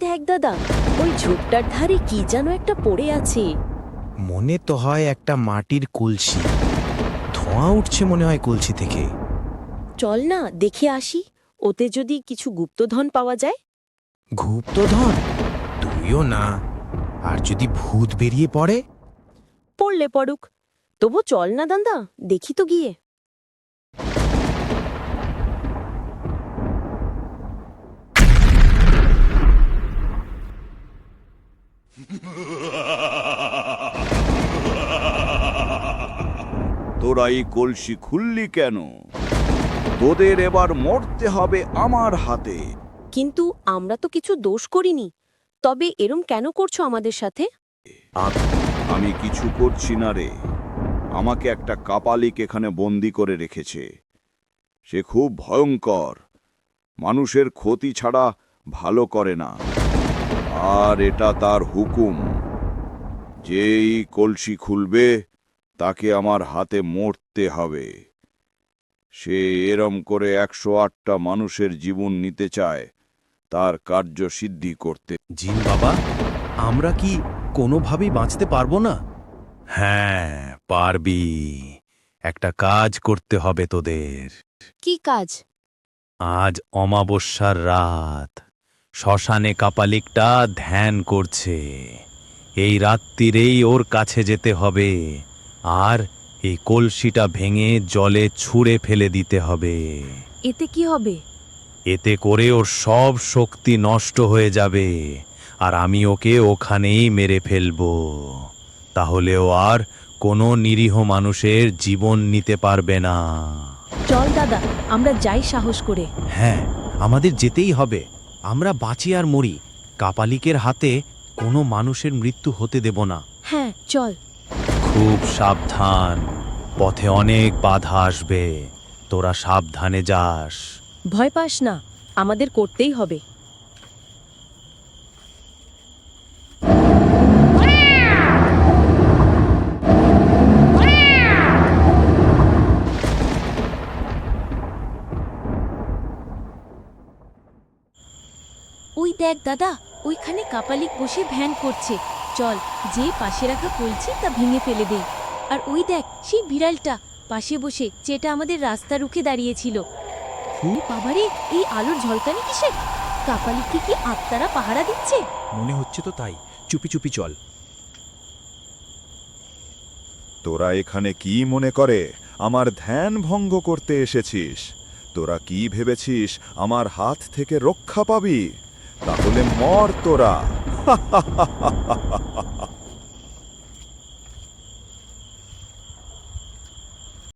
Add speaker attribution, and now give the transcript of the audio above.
Speaker 1: দেখ দাদা, ওই ঝোপটার ধারে কি যেন একটা পড়ে আছে।
Speaker 2: মনে তো হয় একটা মাটির কলসি। ধোঁয়া উঠছে মনে হয় কলসি থেকে।
Speaker 1: চল না দেখে আসি, ওতে যদি কিছু গুপ্তধন পাওয়া যায়।
Speaker 2: গুপ্তধন? তুইও না। আর যদি ভূত বেরিয়ে পড়ে?
Speaker 1: পড়লে পড়ুক, তবু চল না দাদা, দেখি তো গিয়ে।
Speaker 3: তোরা এই কলসি খুললি কেন? তোদের এবার মরতে হবে আমার হাতে।
Speaker 1: কিন্তু আমরা তো কিছু দোষ করিনি, তবে এরম কেন করছো আমাদের সাথে?
Speaker 3: আমি কিছু করছি না রে। আমাকে একটা কাপালিক এখানে বন্দি করে রেখেছে। সে খুব ভয়ঙ্কর, মানুষের ক্ষতি ছাড়া ভালো করে না। আর এটা তার হুকুম, যেই কলসি খুলবে তাকে আমার হাতে মরতে হবে। সে এরম করে 108টা মানুষের জীবন নিতে চায় তার কার্য সিদ্ধি করতে।
Speaker 4: জিন বাবা, আমরা কি কোনোভাবেই বাঁচতে পারবো না?
Speaker 2: হ্যাঁ, পারবি। একটা কাজ করতে হবে তোদের।
Speaker 1: কি কাজ?
Speaker 2: আজ অমাবস্যার রাত। শ্মশানে কাপালিকটা ধ্যান করছে। এই রাত্রিরেই ওর কাছে যেতে হবে, আর এই কলসিটা ভেঙে জলে ছুঁড়ে ফেলে দিতে হবে।
Speaker 1: এতে কি হবে?
Speaker 2: এতে করে ওর সব শক্তি নষ্ট হয়ে যাবে, আর আমি ওকে ওখানেই মেরে ফেলবো। তাহলে ও আর কোনো নিরীহ মানুষের জীবন নিতে পারবে না।
Speaker 1: চল দাদা, আমরা যাই সাহস করে।
Speaker 4: হ্যাঁ, আমাদের যেতেই হবে। আমরা বাঁচি আর মরি, কাপালিকের হাতে কোনো মানুষের মৃত্যু হতে দেব না।
Speaker 1: হ্যাঁ চল।
Speaker 2: খুব সাবধান, পথে অনেক বাধা আসবে। তোরা সাবধানে যাস।
Speaker 1: ভয় পাস না, আমাদের করতেই হবে। ওই দেখ দাদা, ওইখানে কাপালিক বসে ধ্যান করছে। চল, যে পাশে রাখা কলছি তা ভেঙে ফেলে দেই। আর ওই দেখ সেই বিড়ালটা পাশে বসে, যেটা আমাদের রাস্তা রুখে দাঁড়িয়েছিল। বাবারে, এই আলোর ঝলকানি কিসের? কাপালিককে কি আত্মারা পাহারা দিচ্ছে?
Speaker 4: মনে হচ্ছে তো তাই। চুপি চুপি চল।
Speaker 5: তোরা এখানে কি মনে করে আমার ধ্যান ভঙ্গ করতে এসেছিস? তোরা কি ভেবেছিস আমার হাত থেকে রক্ষা পাবি? তাহলে মর তোরা।